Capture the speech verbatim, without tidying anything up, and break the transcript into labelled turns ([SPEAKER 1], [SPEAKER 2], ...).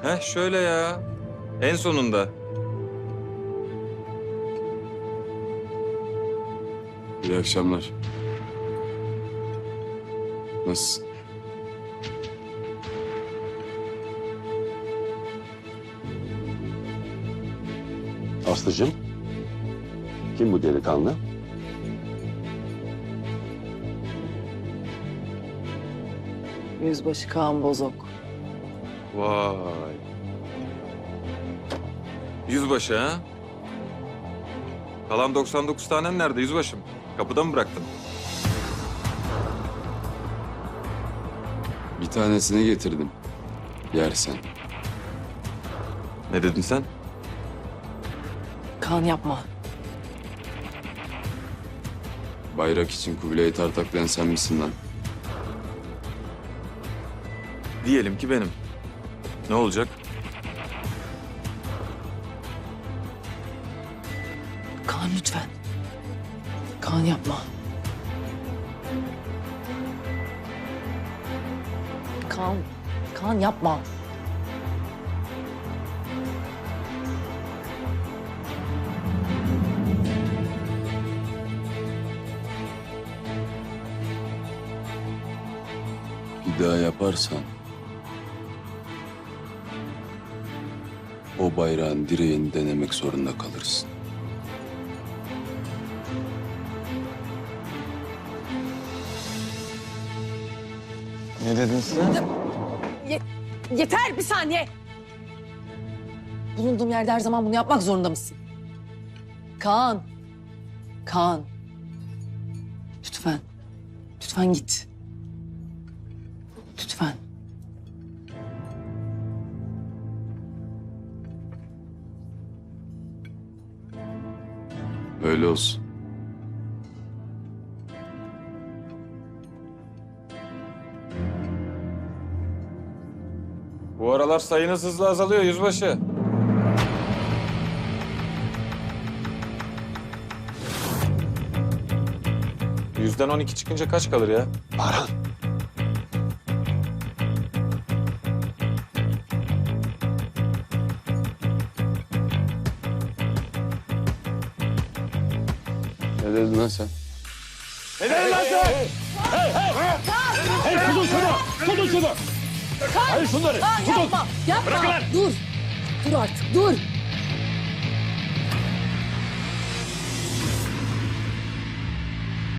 [SPEAKER 1] Heh şöyle ya. En sonunda.
[SPEAKER 2] İyi akşamlar. Nasılsın?
[SPEAKER 3] Aslıcığım, kim bu delikanlı?
[SPEAKER 4] Yüzbaşı Kaan Bozok.
[SPEAKER 1] Vay. Yüzbaşı ha? Kalan doksan dokuz tanen nerede yüzbaşım? Kapıda mı bıraktın?
[SPEAKER 2] Bir tanesini getirdim. Yersen.
[SPEAKER 1] Ne dedin sen?
[SPEAKER 4] Kaan yapma.
[SPEAKER 2] Bayrak için Kubilay'ı tartaklayan sen misin lan?
[SPEAKER 1] Diyelim ki benim. Ne olacak?
[SPEAKER 4] Kaan lütfen. Kaan yapma. Kaan, Kaan yapma.
[SPEAKER 2] Bir daha yaparsan... o bayrağın direğini denemek zorunda kalırsın.
[SPEAKER 1] Ne dedin sen?
[SPEAKER 4] Ye- yeter bir saniye. Bulunduğum yerde her zaman bunu yapmak zorunda mısın? Kaan. Kaan. Lütfen. Lütfen git. Lütfen.
[SPEAKER 2] Öyle olsun.
[SPEAKER 1] Bu aralar sayınız hızla azalıyor yüzbaşı. Yüzden on iki çıkınca kaç kalır ya?
[SPEAKER 3] Baran.
[SPEAKER 2] Ne dedin lan sen?
[SPEAKER 4] Kaan yapma. Yapma. Dur. Dur artık. Dur.